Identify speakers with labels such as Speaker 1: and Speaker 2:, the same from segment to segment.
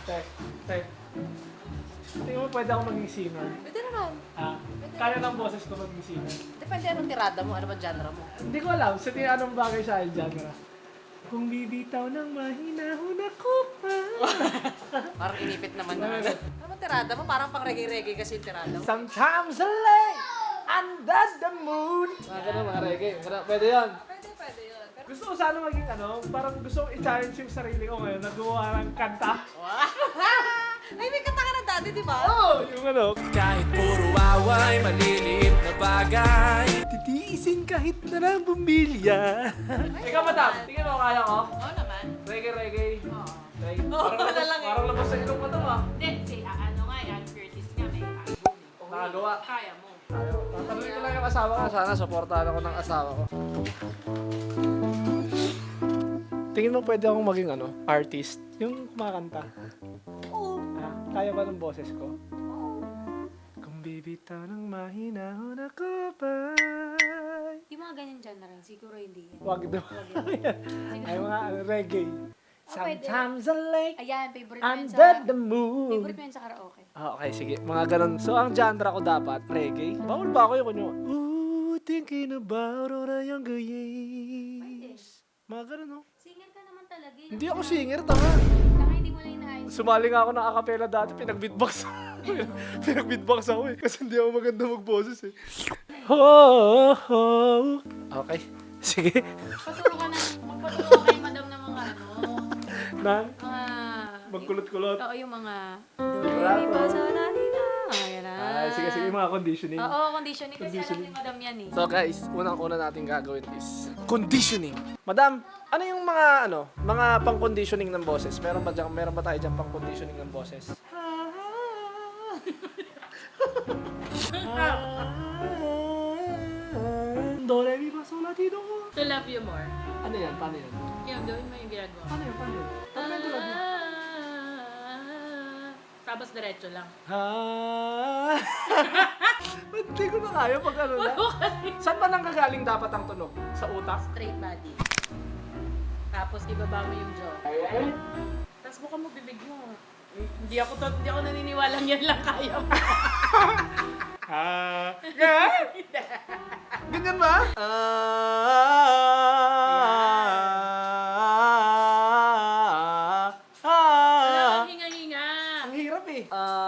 Speaker 1: Te, te. Tingin mo pwede ako maging singer?
Speaker 2: Pwede naman.
Speaker 1: Kaya ng boses ko maging singer?
Speaker 2: Depende anong tirada mo, ano ba genre mo.
Speaker 1: Hindi ko alam. Sa tingin anong bagay sa akin genre? Kung bibitaw ng mahinahon ako pa.
Speaker 2: Parang inipit naman na. Ano ba tirada mo? Parang pang reggae-reggae kasi yung tirada mo.
Speaker 1: Sometimes I lay under the moon. Mga ganun, mga reggae. Pwede yan.
Speaker 2: Pwede yun. Pero,
Speaker 1: Gusto ko sana maging parang gusto ko i-challenge yung sarili ko ngayon na gumawa ng kanta.
Speaker 2: ay, may kanta ka na dati, di ba?
Speaker 1: Yung
Speaker 3: Kahit puro away, maliliit na bagay.
Speaker 1: titiisin kahit na lang bumilya. Ikaw, madam, tingin mo kaya ko?
Speaker 2: Oo naman.
Speaker 1: Reggae.
Speaker 2: Oo.
Speaker 1: Reggae.
Speaker 2: Oo, wala lang eh.
Speaker 1: Parang labas sa ilong ko to ah.
Speaker 4: Hindi, si ano nga, Ann Curtis nga may album.
Speaker 1: Nakagawa.
Speaker 4: Kaya mo.
Speaker 1: Tatanungin ko lang yung asawa ko. Sana supportahan ako ng asawa ko. Tingin mo pwede akong maging artist? Yung kumakanta.
Speaker 2: Oo.
Speaker 1: Kaya ba ng boses ko? Kung bibitaw ng mahinahon ako ba?
Speaker 4: Yung mga ganyan genre, siguro hindi yan.
Speaker 1: Wag daw. Ay mga reggae.
Speaker 4: pwede.
Speaker 1: Sometimes I lay
Speaker 4: Ayan, favorite mo yun
Speaker 1: under
Speaker 4: sa...
Speaker 1: the moon.
Speaker 4: Favorite mo yun sa karaoke.
Speaker 1: Okay, sige. Mga ganun. So, ang genre ko dapat, reggae. Bawal ba ako yung kunyo? Ooh, thinking about all the younger years. Mga ganun, no?
Speaker 4: Singer ka naman talaga. eh.
Speaker 1: Hindi ako singer, tanga.
Speaker 4: Saka hindi mo lang inaayos.
Speaker 1: Sumali nga ako ng acapella dati, pinag-beatbox. Pinag-beatbox ako eh. Kasi hindi ako maganda magboses eh. Okay, sige.
Speaker 4: Magpaturo kay madam ng mga
Speaker 1: Nan,
Speaker 4: mga...
Speaker 1: magkulot-kulot.
Speaker 4: Oo, yung mga...
Speaker 1: Rap,
Speaker 4: Di ba sa nanina?
Speaker 1: Ay, sige, sige, mga conditioning.
Speaker 4: Oo, conditioning. Kasi alam ni madam yan eh.
Speaker 1: So guys, unang-una natin gagawin is conditioning. Madam, ano yung mga pang-conditioning ng boses? Meron ba tayo dyan pang-conditioning ng boses? Do, re, mi, fa, sol, la, ti, do.
Speaker 4: To love you more.
Speaker 1: Ano yan? Paano yan?
Speaker 4: Yung gawin mo yung ginagawa.
Speaker 1: Paano yan? Paano yan? Paano yan tulad mo?
Speaker 4: Tapos diretso lang.
Speaker 1: Ba't di ko na kaya pag ano na? Saan ba nanggagaling dapat ang tunog? Sa utak?
Speaker 4: Straight body. Tapos ibaba mo yung jaw. Tapos buka mo bibig mo. Hindi ako naniniwalang yan lang kaya mo.
Speaker 1: Ganyan ba?
Speaker 4: Wala kang hinga-hinga.
Speaker 1: Ang hirap eh.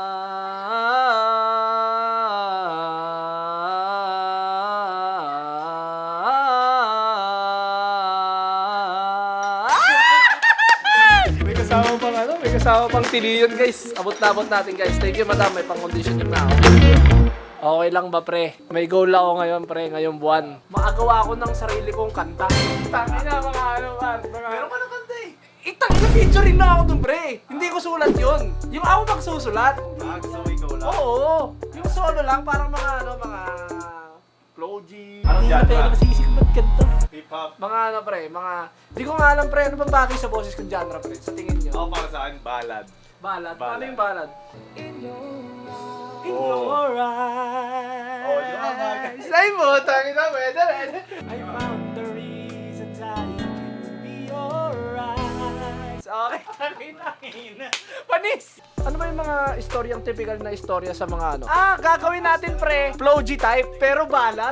Speaker 1: May kasama pang tiliyon guys. Abot na abot natin guys. Thank you madam, may pang-conditioning na ako. Okay lang ba pre? May goal ako ngayon pre, ngayong buwan. Makagawa ako ng sarili kong kanta. Tangin na mga man. Meron ka ng kanta eh. Itangin na featuring na ako dun pre. Hindi ko sulat yun. Yung ako magsusulat.
Speaker 5: Gusto mo ikaw lang?
Speaker 1: Oo. Yung solo lang, parang mga Flow G.
Speaker 5: Anong
Speaker 1: Hindi na
Speaker 5: genre?
Speaker 1: pwede masisik ba't ganito?
Speaker 5: Hip-hop.
Speaker 1: Mga pre, di ko nga alam pre, ano bang bagay sa boses kong genre pre? Sa tingin nyo?
Speaker 5: Ako para sa akin, ballad.
Speaker 1: Ballad. Paano
Speaker 5: Ballad.
Speaker 1: yung ballad? In
Speaker 5: Oh.
Speaker 1: your eyes.
Speaker 5: Oh, di ba, bagay?
Speaker 1: Say mo, tangin na, pwede. I found the reasons I can be alright. Okay, tangin na. Panis! Ano ba yung mga istoryang typical na istorya sa mga gagawin natin pre, Flow G type, pero ballad.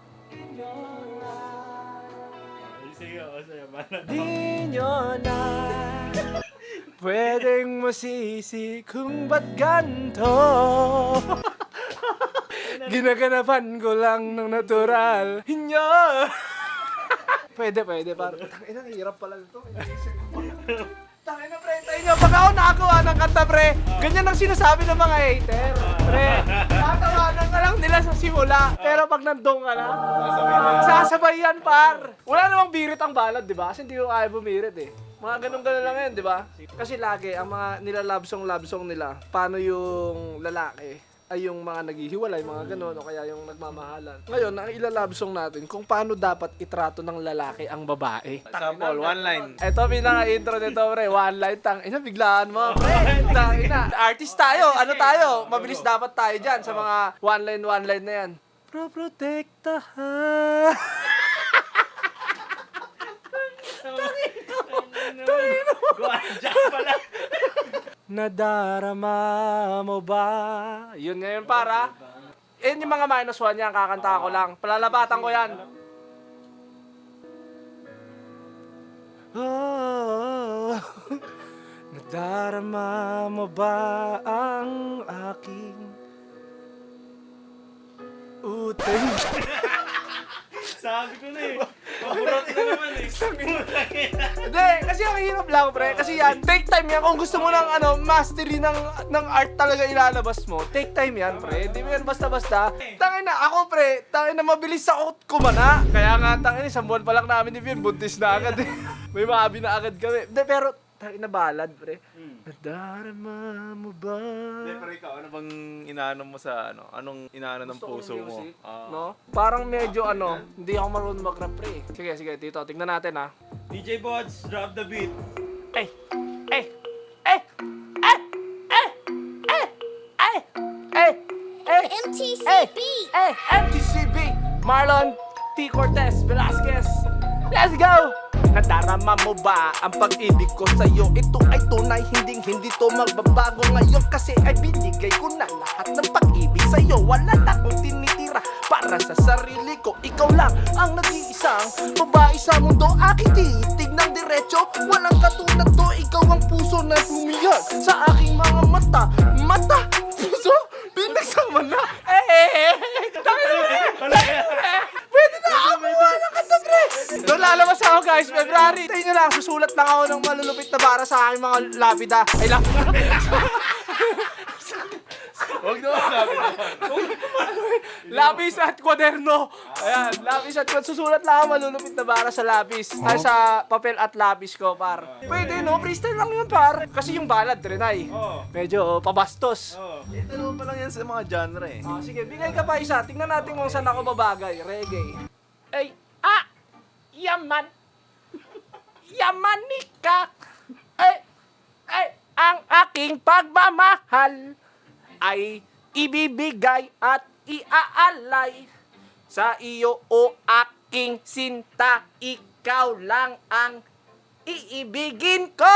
Speaker 5: Sige, sa'yo, ballad.
Speaker 1: Di nyo na pwedeng masisi kung ba't ganto. Ginaganapan ko lang ng natural. Hinyo! Pwede. Parang, tangina, hirap pala ito. Tangina, pre, tayo nyo. Pag ako nakagawa ng kanta, pre, ganyan ang sinasabi ng mga hater. Pre, tatawanan ka lang nila sa simula. Pero pag nandun ka na, sasabay yan, par. Wala namang birit ang balad, di ba? Kasi hindi ko kaya bumirit eh. Mga ganun-ganun lang yan, di ba? Kasi lagi, ang mga love song nila, paano yung lalaki ay yung mga naghihiwalay, mga ganun, o kaya yung nagmamahalan. Ngayon, ang ilalove song natin, kung paano dapat itrato ng lalaki ang babae.
Speaker 5: Example, one line.
Speaker 1: Eto, pinaka-intro nito, pre. One line, ina, biglaan mo, pre. Ina. Artist tayo, ano tayo? Mabilis dapat tayo dyan sa mga one line na yan. Proprotektahan.
Speaker 5: Guadya pala.
Speaker 1: nadarama mo ba? Yun ngayon para. Yun yung mga minus 1 yan, kakanta ko lang. Palalabatan ko yan. Oh, nadarama mo ba ang aking utang?
Speaker 5: Sabi ko na eh. Paborot na naman eh.
Speaker 1: Hindi, kasi ang hirap lang, pre. Kasi yan, take time yan. Kung gusto mo ng mastery ng art talaga ilalabas mo, take time yan, pre. Hindi mo yan basta-basta. Tangin na, ako, pre. Tangin na, mabilis ako kumana. Kaya nga, tangin, isang buwan pa lang namin ni Vian, buntis na agad eh. May maabi na agad kami. Hindi, pero, tangin na balad, pre. Nadarama mo ba?
Speaker 5: Hindi, pero ikaw, ano bang inaano mo sa ano? Anong inaano ng
Speaker 1: Gusto
Speaker 5: puso
Speaker 1: kong
Speaker 5: mo?
Speaker 1: music, no? Parang medyo hindi ako marunong mag-rap, pre. Sige, sige, Tito, tignan natin, ha.
Speaker 5: DJ Bods, drop the beat.
Speaker 1: Eh, eh, eh, eh, eh, eh, eh, eh, eh,
Speaker 6: MTCB.
Speaker 1: MTCB, Marlon T. Cortez Velasquez. Let's go! Nadarama mo ba ang pag-ibig ko sa'yo? Ito ay tunay, hindi to magbabago ngayon. Kasi ay binigay ko na lahat ng pag-ibig sa'yo. Wala na akong tinitira para sa sarili ko. Ikaw lang ang nag-iisang babae sa mundo. Aking titig ng diretso, walang katulad to. Ikaw ang puso na bumihag sa aking mga mata. Mata, puso, pinagsama na. Tangin na, pwede na ako kumuha ng kanta, pre. Doon lalabas ako, guys, February. Tayo nyo lang, susulat lang ako ng malulupit na para sa aking mga lapida. Ay, lapida.
Speaker 5: Huwag na sabi naman.
Speaker 1: Lapis at kwaderno. Ayan, lapis at kwaderno. Susulat lang ako malulupit na para sa lapis. Ay, sa papel at lapis ko, par. Pwede, no? Freestyle lang yun, par. Kasi yung ballad, Renay. Medyo pabastos.
Speaker 5: Dalawa pa lang yan sa mga genre eh.
Speaker 1: Sige, bigay ka pa isa. Tingnan natin kung saan ako babagay. Reggae. Ay, yaman. Yamanika. Ay, ang aking pagmamahal ay ibibigay at iaalay sa iyo o aking sinta. Ikaw lang ang iibigin ko.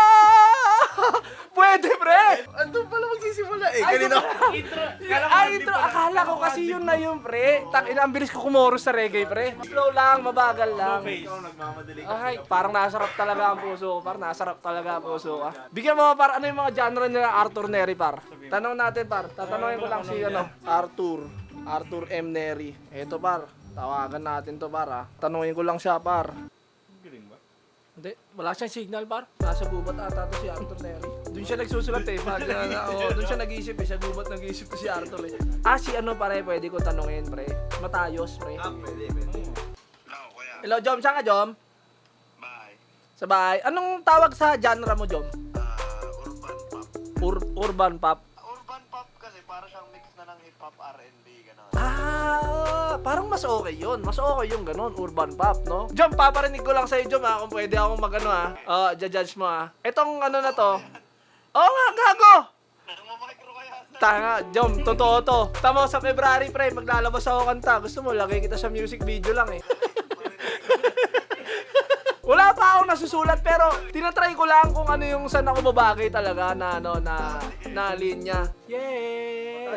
Speaker 1: Pwede, pre.
Speaker 5: Ano pala magsisimula eh?
Speaker 1: Ay,
Speaker 5: Kanina.
Speaker 1: intro. Akala ko kasi yun na yun, pre. Tangina, ang bilis ko kumoros sa reggae, pre. Slow lang, mabagal lang.
Speaker 5: Ikaw nagmamadali ka.
Speaker 1: Ay, parang nasarap talaga ang puso ko. Parang nasarap talaga ang puso ko. Bigyan mo, par, ano yung mga genre nila Arthur Neri, par? Tanong natin, par. Tatanungin ko lang si, Arthur M. Neri. Eto, par. Tawagan natin to, par, ha. Tanungin ko lang siya, par.
Speaker 5: Galing ba?
Speaker 1: Hindi, wala siyang signal, par. Nasa gubat ata to si Arthur Neri. Doon siya nagsusulat eh. Doon siya nag-iisip eh. Sa gubat nag-iisip to si Arthur eh. Si ano, pare, pwede ko tanungin, pre. Matayos, pre.
Speaker 5: Pwede.
Speaker 1: Hello, Jom. Saan ka, Jom?
Speaker 7: Bye.
Speaker 1: Sa bahay. Anong tawag sa genre mo, Jom?
Speaker 7: Urban pop.
Speaker 1: Urban pop.
Speaker 7: Urban pop kasi para siyang mix na ng hip-hop, R&B, gano'n.
Speaker 1: Parang mas okay yun. Mas okay yung ganun, urban pop, no? Jom, paparinig ko lang sa'yo, Jom, ha? Kung pwede akong mag-ano, ha? Judge mo, ha? Itong ano na to. Oo nga, gago!
Speaker 7: Namamikro kaya.
Speaker 1: Tanga, Jom, totoo to. Tama, sa February, pre, maglalabas ako kanta. Gusto mo, lagay kita sa music video lang, eh. Wala pa akong nasusulat, pero tinatry ko lang kung ano yung saan ako babagay talaga na, na linya. Yeah!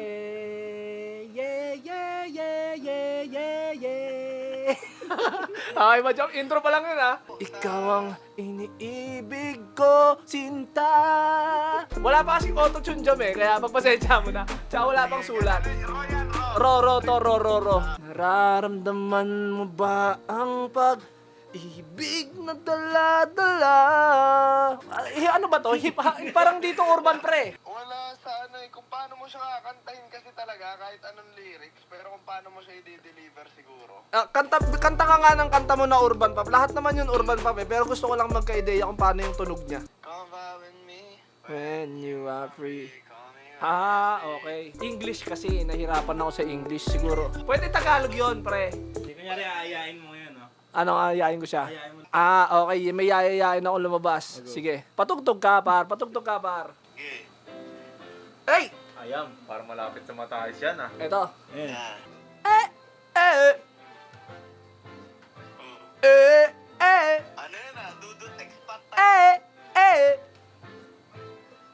Speaker 1: Okay ba, Jom? Intro pa lang yun, ha? Ikaw ang iniibig ko, sinta. Wala pa kasing auto-tune, Jom, eh. Kaya pagpasensya mo na. Tsaka wala pang sulat. Ro. Nararamdaman mo ba ang pag-ibig na dala-dala? Ano ba to? Parang dito urban, pre.
Speaker 7: Wala sa ano eh, kung paano mo siya kakantahin kasi talaga kahit anong lyrics, pero kung paano mo siya i-deliver siguro.
Speaker 1: Kanta ka nga ng kanta mo na urban pop. Lahat naman yun urban pop eh. Pero gusto ko lang magka-ideya kung paano yung tunog niya.
Speaker 7: Come back with me.
Speaker 1: When you are free.
Speaker 7: Call me.
Speaker 1: Okay. English kasi, nahirapan ako sa English siguro. Pwede Tagalog yun, pre.
Speaker 5: Hindi kunyari aayain mo yun, no?
Speaker 1: Ano, ayayin ko siya?
Speaker 5: Ayain mo.
Speaker 1: Okay. May yayayain ako lumabas. Sige. Patugtog ka, par.
Speaker 7: Okay.
Speaker 1: Hey!
Speaker 5: Ayam, para malapit sa mataas yan, ah.
Speaker 1: Ito.
Speaker 5: Yan.
Speaker 7: Ano yun ah? Dudut expat.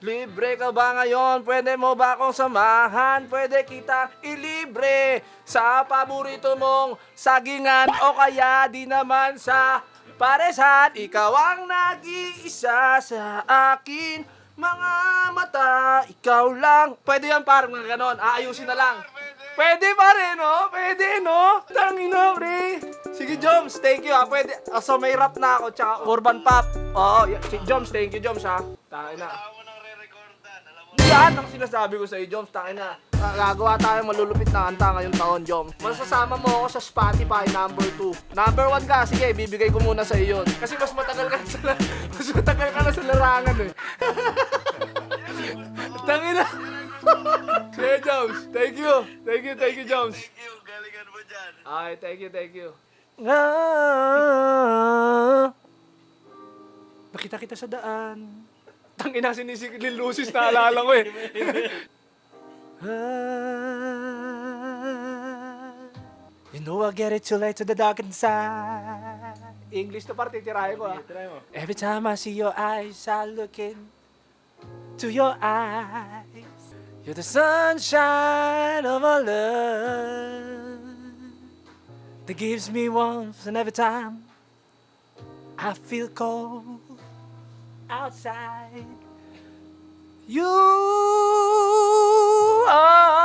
Speaker 1: Libre ka ba ngayon? Pwede mo ba akong samahan? Pwede kitang ilibre sa paborito mong sagingan o kaya di naman sa paresan. Ikaw ang nag-iisa sa akin. Mga mata, ikaw lang. Pwede yan parang mga ganon. Aayusin na lang. Pwede pa rin, no? Pwede, no? Tangina, pre. Sige, Joms, thank you, ha. Pwede. So, may rap na ako, tsaka urban pop. Oo, si Joms, thank you, Joms, ha. Tangina.
Speaker 7: Tao mo nang re-recordan, alam mo.
Speaker 1: Yan ang sinasabi ko sa'yo, Joms. Tangina. Gagawa tayo malulupit na kanta ngayong taon, Joms. Masasama mo ako sa Spotify, number 2. Number 1 ka, sige, bibigay ko muna sa'yo yun. Kasi mas matagal ka na sa larangan, eh. Tangina. Sige, Joms. Thank you. Thank you, Joms.
Speaker 7: Thank you, galingan mo dyan.
Speaker 1: Ay, thank you. Nakita kita sa daan. Tangina, sinisikilin Lucis na alala ko eh. You know I get it too late to the dark inside. English to parte, tirahin ko, ha. Every time I see your eyes, I look into your eyes. You're the sunshine of our love that gives me warmth, and every time I feel cold outside, you are